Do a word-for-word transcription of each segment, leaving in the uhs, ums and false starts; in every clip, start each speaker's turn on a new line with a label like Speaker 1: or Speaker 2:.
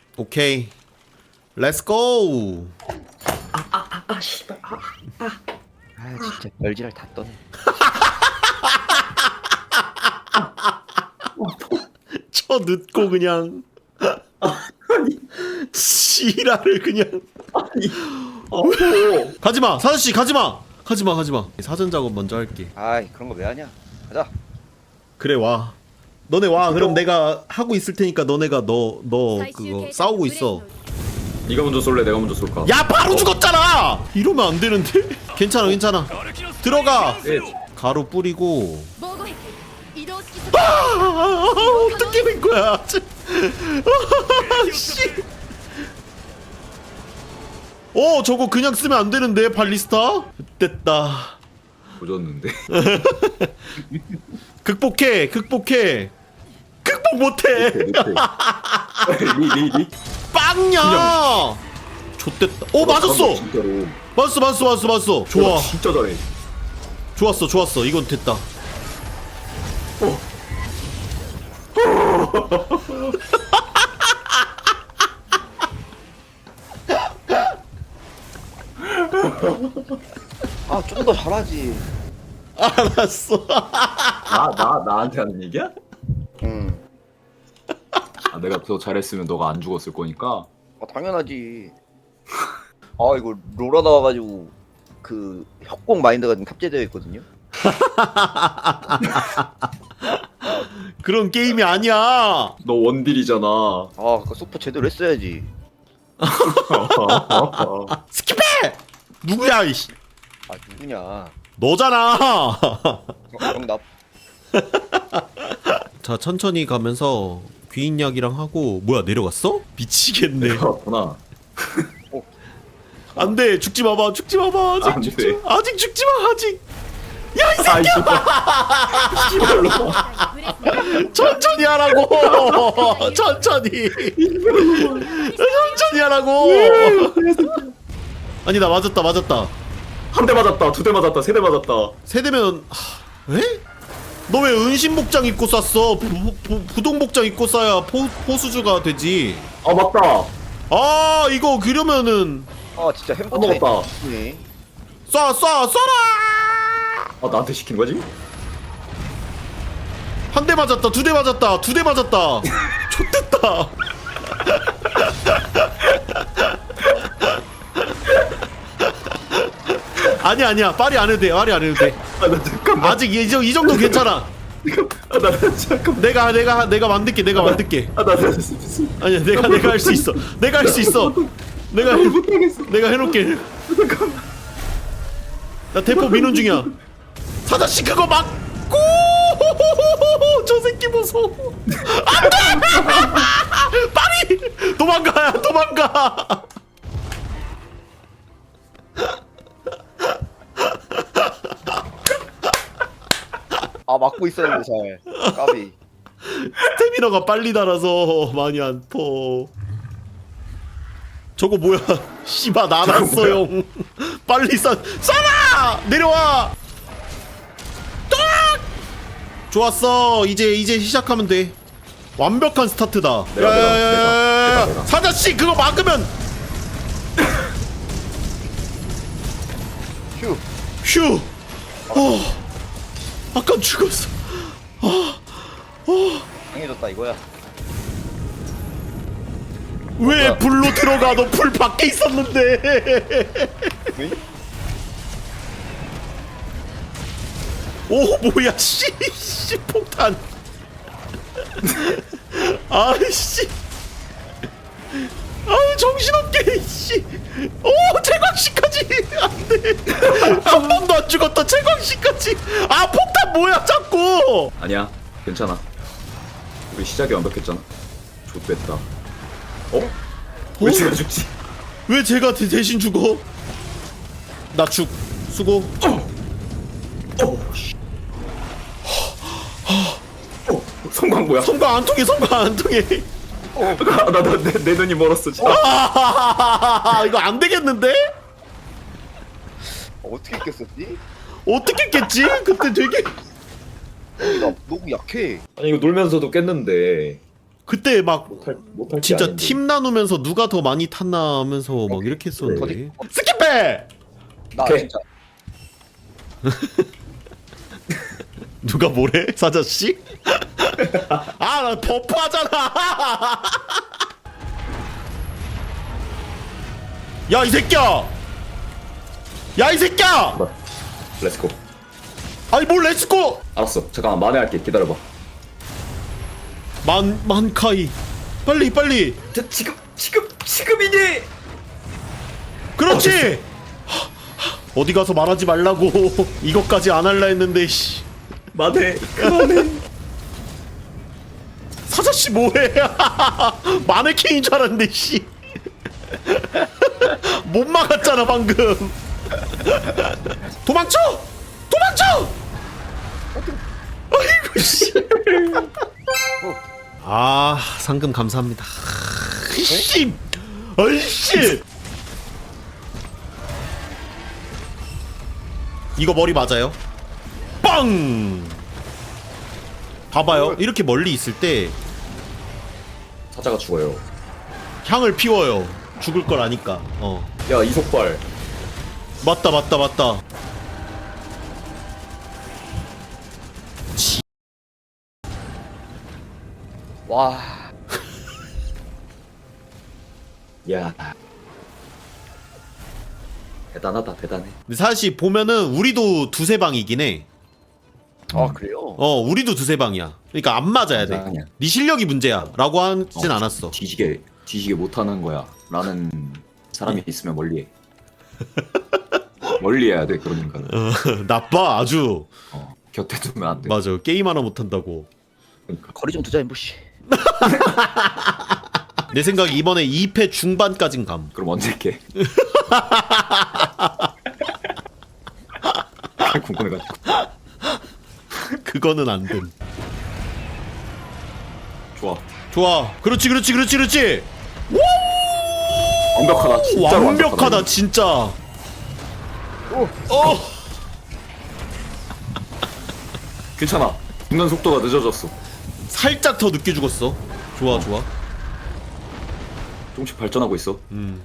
Speaker 1: 오케이. 렛츠 고.
Speaker 2: 아아아 씨발 아, 아.
Speaker 3: 아 진짜 별지랄 다 떠네.
Speaker 1: 쳐 늦고 그냥
Speaker 2: 아니
Speaker 1: 지랄을 그냥.
Speaker 2: 아니 어
Speaker 1: 가지마 사자씨 가지마 가지마 가지마. 사전 작업 먼저 할게.
Speaker 3: 아이 그런 거 왜 하냐? 가자.
Speaker 1: 그래 와. 너네 와. 그럼 내가 하고 있을 테니까 너네가 너 너 그거 싸우고 있어.
Speaker 2: 네가 먼저 쏠래 내가 먼저 쏠까?
Speaker 1: 야 바로 죽었잖아. 이러면 안 되는데. 괜찮아 괜찮아. 들어가.
Speaker 2: 예.
Speaker 1: 가루 뿌리고.
Speaker 4: 防護壁移動式
Speaker 1: 아, 어떻게 된 거야? 아, 씨. 어 저거 그냥 쓰면 안 되는데 발리스타. 됐다.
Speaker 2: 조졌는데.
Speaker 1: 극복해 극복해. 극복 못해.
Speaker 2: 리리리.
Speaker 1: 빵야. 좆됐다. 오 맞았어.
Speaker 2: 진짜로.
Speaker 1: 맞았어 맞았어 맞았어 맞았어. 좋아.
Speaker 2: 야, 진짜 잘해.
Speaker 1: 좋았어 좋았어. 이건 됐다.
Speaker 3: 아 좀 더 잘하지.
Speaker 1: 알았어.
Speaker 2: 나 나 나한테 하는 얘기야?
Speaker 3: 응.
Speaker 2: 아 내가 더 잘했으면 너가 안 죽었을 거니까.
Speaker 3: 아 당연하지. 아 이거 로라 나와가지고 그 협곡 마인드가 좀 탑재되어 있거든요.
Speaker 1: 그런 게임이 아니야.
Speaker 2: 너 원딜이잖아.
Speaker 3: 아 그 소프 제대로 했어야지.
Speaker 1: 스킵해. 누구야 이씨.
Speaker 3: 아 누구냐?
Speaker 1: 너잖아.
Speaker 3: 어, 정답.
Speaker 1: 자 천천히 가면서 귀인약이랑 하고. 뭐야 내려갔어? 미치겠네.
Speaker 2: 그렇구나.
Speaker 1: 안돼 죽지 마봐 죽지 마봐 아직
Speaker 2: 안
Speaker 1: 죽지
Speaker 2: 돼.
Speaker 1: 마 아직 죽지 마 아직. 야 이
Speaker 2: 아
Speaker 1: 새끼야.
Speaker 2: 이거
Speaker 1: 천천히 하라고. 천천히. 천천히 하라고. 아니 나 맞았다 맞았다.
Speaker 2: 한 대 맞았다, 두 대 맞았다, 세 대 맞았다.
Speaker 1: 세대면 하... 에? 너 왜 은신 복장 입고 쐈어? 부, 부, 부동 복장 입고 쏴야 포, 포수주가 되지.
Speaker 2: 아 맞다.
Speaker 1: 아 이거 그러면은
Speaker 3: 아 진짜 햄버
Speaker 2: 먹었다.
Speaker 3: 네.
Speaker 1: 쏴 쏴 쏴라.
Speaker 2: 아 나한테 시킨 거지?
Speaker 1: 한 대 맞았다 두 대 맞았다 두 대 맞았다. 좆됐다. 아니야 아니야 빨리 안 해도 돼 빨리 안 해도 돼.
Speaker 2: 아 나 잠깐만.
Speaker 1: 아직 이, 정- 이 정도 괜찮아.
Speaker 2: 아나 잠깐만.
Speaker 1: 내가 내가 내가 만들게 내가 만들게.
Speaker 2: 아나
Speaker 1: 아니야 내가 내가 할 수 있어. 내가 할 수 있어. 내가 해,
Speaker 2: 못하겠어.
Speaker 1: 내가 해놓게. 나 대포 민원 중이야. 사자씨 그거 막고. 저 새끼 무서워. 안돼. 빨리 도망가 도망가.
Speaker 3: 아 막고 있었는데 잘. 까비.
Speaker 1: 스태미너가 빨리 달아서 많이 안 퍼. 저거 뭐야? 씨바 나났어요. 빨리 쏴 쏴라. 내려와. 딱. 좋았어. 이제 이제 시작하면 돼. 완벽한 스타트다.
Speaker 2: 내가, 내가,
Speaker 1: 야야야야야.
Speaker 2: 내가, 내가.
Speaker 1: 사자씨 그거 막으면.
Speaker 3: 휴.
Speaker 1: 휴. 어. 아까 죽었어.
Speaker 3: 강해졌다 이거야.
Speaker 1: 왜
Speaker 3: 뭐야?
Speaker 1: 불로 들어가? 너 불 밖에 있었는데.
Speaker 3: 응?
Speaker 1: 오 뭐야 씨, 씨 폭탄. 아이씨. 아우 정신없게 씨. 오 채광씨까지 안돼. 한 번도 안 죽었다 채광씨까지. 아 폭탄 뭐야 자꾸.
Speaker 2: 아니야, 괜찮아. 우리 시작이 완벽했잖아. 좋됐다. 어? 왜 제가 죽지?
Speaker 1: 왜 제가 대, 대신 죽어? 나 죽. 수고.
Speaker 2: 어, 씨. 어, 성광 뭐야?
Speaker 1: 성과 안 통해 성과 안 통해.
Speaker 2: 어, 나나내 내 눈이 멀었어 진짜.
Speaker 1: 아, 이거 안 되겠는데?
Speaker 3: 어, 어떻게 깼었지?
Speaker 1: 어떻게 깼지? 그때 되게.
Speaker 3: 나 너무 약해.
Speaker 2: 아니 이거 놀면서도 깼는데.
Speaker 1: 그때 막
Speaker 2: 못할 못할 게
Speaker 1: 진짜
Speaker 2: 아닌데.
Speaker 1: 팀 나누면서 누가 더 많이 탔나 하면서 막 이렇게 했었는데. 스킵해!
Speaker 3: 나
Speaker 2: 오케이.
Speaker 3: 진짜
Speaker 1: 누가 뭐래? 사자씨? 아, 나 버프 하잖아! 야, 이 새끼야! 야, 이 새끼야!
Speaker 2: 뭐, 렛츠고.
Speaker 1: 아니, 뭘 렛츠고!
Speaker 2: 알았어. 잠깐만 만회할게. 기다려봐.
Speaker 1: 만, 만카이. 빨리, 빨리!
Speaker 2: 저, 지금 지금 지금이니.
Speaker 1: 그렇지! 어디 가서 말하지 말라고. 이것까지 안 할라 했는데, 씨.
Speaker 2: 만회. 그만해.
Speaker 1: 사자씨 뭐해? 마네킹인 줄 알았는데, 씨. 못 막았잖아, 방금. 도망쳐! 도망쳐! 아이고, 씨. 아, 상금 감사합니다. 씨! 아이씨! 이거 머리 맞아요? 빵! 봐봐요. 이렇게 멀리 있을 때
Speaker 2: 사자가 죽어요.
Speaker 1: 향을 피워요. 죽을 걸 아니까. 어.
Speaker 2: 야 이속발.
Speaker 1: 맞다, 맞다, 맞다. 치.
Speaker 3: 와
Speaker 2: 야. 대단하다 대단해.
Speaker 1: 근데 사실 보면은 우리도 두세 방이긴 해.
Speaker 3: 아 그래요?
Speaker 1: 어, 우리도 두세 방이야. 그러니까 안 맞아야 돼.
Speaker 2: 아니야.
Speaker 1: 네 실력이 문제야. 라고 하진
Speaker 2: 어,
Speaker 1: 않았어.
Speaker 2: 뒤지게 뒤지게 못하는 거야 라는 사람이 있으면 멀리해. 멀리해야 돼 그런 인간은.
Speaker 1: 어, 나빠, 아주.
Speaker 2: 어, 곁에 두면 안 돼.
Speaker 1: 맞아. 게임 하나 못한다고.
Speaker 2: 그러니까.
Speaker 3: 거리 좀 두자 엠부씨.
Speaker 1: 내 생각에 이번에 이 패 중반까진 감.
Speaker 2: 그럼 언제 깨? 궁금해가지고.
Speaker 1: 그거는 안 됨.
Speaker 2: 좋아.
Speaker 1: 좋아. 그렇지, 그렇지, 그렇지, 그렇지.
Speaker 2: 완벽하다. 진짜로
Speaker 1: 완벽하다, 진짜.
Speaker 3: 오.
Speaker 1: 어.
Speaker 2: 괜찮아. 죽는 속도가 늦어졌어.
Speaker 1: 살짝 더 늦게 죽었어. 좋아, 좋아.
Speaker 2: 조금씩 발전하고 있어.
Speaker 1: 음.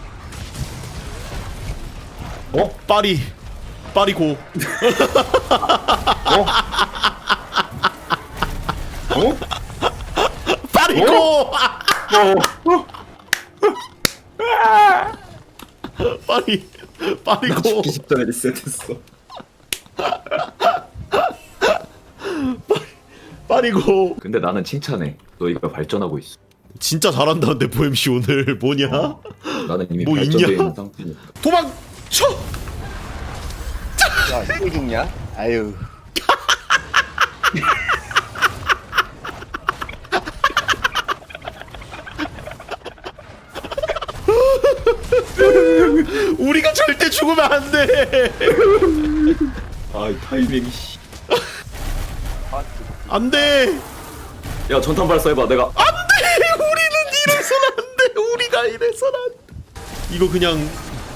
Speaker 2: 어?
Speaker 1: 파리. 파리 고.
Speaker 2: 어? 어?
Speaker 1: 파리 고.
Speaker 2: 어?
Speaker 1: 파리. 파리
Speaker 2: 나
Speaker 1: 고.
Speaker 2: 죽기 직전에 리셋했어.
Speaker 1: 파리 고.
Speaker 2: 근데 나는 칭찬해. 너희가 발전하고 있어.
Speaker 1: 진짜 잘한다는데 보엠씨 오늘 뭐냐?
Speaker 2: 어. 나는 이미
Speaker 1: 뭐
Speaker 2: 발전되어
Speaker 1: 있냐?
Speaker 2: 있는 상태니까.
Speaker 1: 도망쳐.
Speaker 3: 야 이거 죽냐? 아유.
Speaker 1: 우리가 절대 죽으면 안 돼.
Speaker 2: 아, 이 타이밍이 씨.
Speaker 1: 안 돼.
Speaker 2: 야, 전탄 발사해봐. 내가
Speaker 1: 안 돼. 우리는 이래선 안 돼. 우리가 이래선 안 돼. 이거 그냥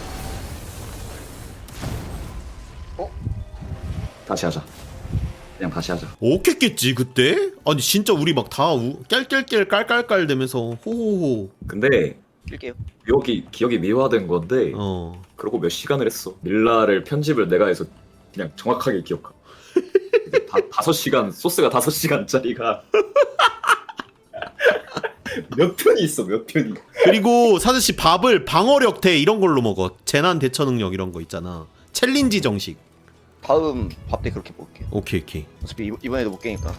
Speaker 2: 다시 하자. 그냥 다시 하자.
Speaker 1: 오겠겠지 그때? 아니 진짜 우리 막 다 깰깰깰 깔깔깔 대면서 호호호.
Speaker 2: 근데
Speaker 3: 낄게요.
Speaker 2: 기억이 기억이 미화된 건데
Speaker 1: 어.
Speaker 2: 그러고 몇 시간을 했어. 밀라를 편집을 내가 해서 그냥 정확하게 기억하. 다 다섯 시간 소스가 다섯 시간짜리가 몇 편이 있어 몇 편이.
Speaker 1: 그리고 사실 씨 밥을 방어력 대 이런 걸로 먹어. 재난 대처 능력 이런 거 있잖아. 챌린지 정식.
Speaker 3: 다음 밥 때 그렇게 먹을게요.
Speaker 1: 오케이 오케이.
Speaker 3: 어차피 이번- 이번에도 못 깨니까.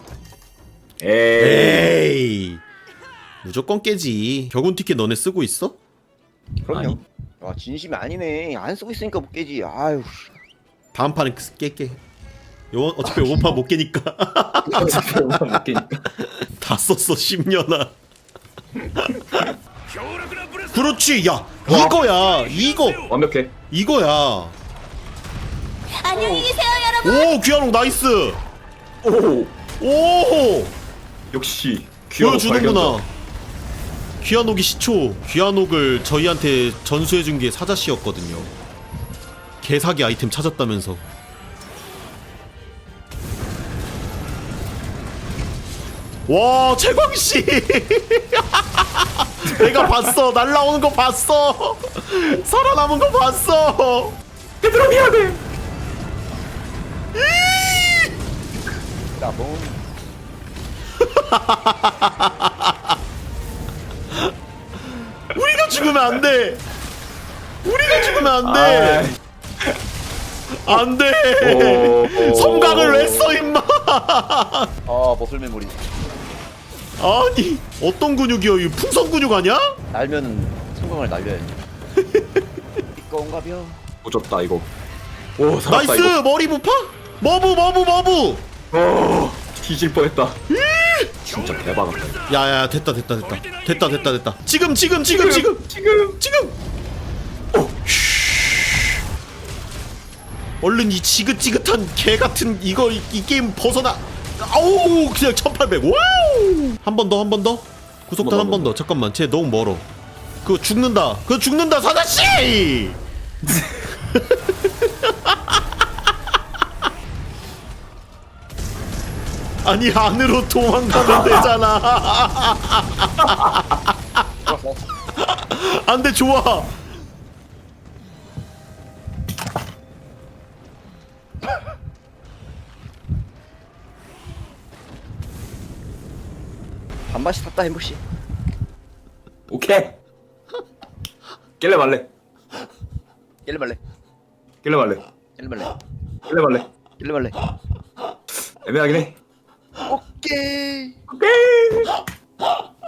Speaker 2: 에이.
Speaker 1: 에이. 무조건 깨지. 격운 티켓 너네 쓰고 있어?
Speaker 3: 그럼요.
Speaker 2: 아니.
Speaker 3: 아 진심이 아니네. 안 쓰고 있으니까 못 깨지. 아유.
Speaker 1: 다음 판에 깰게. 요 어차피 요번 판 못 깨니까.
Speaker 2: 어차피 얼마 못 깨니까.
Speaker 1: 다 썼어 십 년아. 그렇지. 야 이거야. 이거
Speaker 2: 완벽해.
Speaker 1: 이거야.
Speaker 4: 안녕히 계세요, 여러분.
Speaker 1: 오 귀한옥 나이스.
Speaker 2: 오.
Speaker 1: 오
Speaker 2: 역시 귀여운
Speaker 1: 보여주는구나. 귀한옥이 시초. 귀한옥을 저희한테 전수해준 게 사자씨였거든요. 개사기 아이템 찾았다면서. 와 채광씨 내가 봤어. 날라오는 거 봤어. 살아남은 거 봤어.
Speaker 2: 얘들아 미안해.
Speaker 3: 나봉.
Speaker 1: 우리가 죽으면 안 돼. 우리가 죽으면 안 돼. 안 돼.
Speaker 2: 오.
Speaker 1: 성각을 왜 써 임마.
Speaker 3: 아 머슬 메모리.
Speaker 1: 아니 어떤 근육이야? 이 풍선 근육 아니야?
Speaker 3: 날면은 성광을 날려야지. 꽁가벼.
Speaker 2: 오졌다 이거. 오 살았다
Speaker 1: 나이스.
Speaker 2: 이거.
Speaker 1: 머리 부파? 머브 머브 머브.
Speaker 2: 오 뒤질 뻔했다. 진짜 대박.
Speaker 1: 야야 됐다 됐다 됐다 됐다 됐다 됐다. 지금 지금 지금 지금
Speaker 2: 지금
Speaker 1: 지금. 어. 쉬. 얼른 이 지긋지긋한 개 같은 이거 이, 이 게임 벗어나. 아우 그냥 천팔백. 와우. 한 번 더 한 번 더. 구속탄 한 번 더. 잠깐만 쟤 너무 멀어. 그거 죽는다. 그거 죽는다 사자씨. 아니 안으로 도망가면 되잖아. 안돼 좋아.
Speaker 3: 반바시 탔다 햄버시.
Speaker 2: 오케이. 깰래 말래.
Speaker 3: 깰래 말래.
Speaker 2: 깰래 말래.
Speaker 3: 깰래 말래.
Speaker 2: 깰래 말래.
Speaker 3: 깰래 말래.
Speaker 2: 애매하긴 해.
Speaker 3: 오케이.
Speaker 2: 오케이.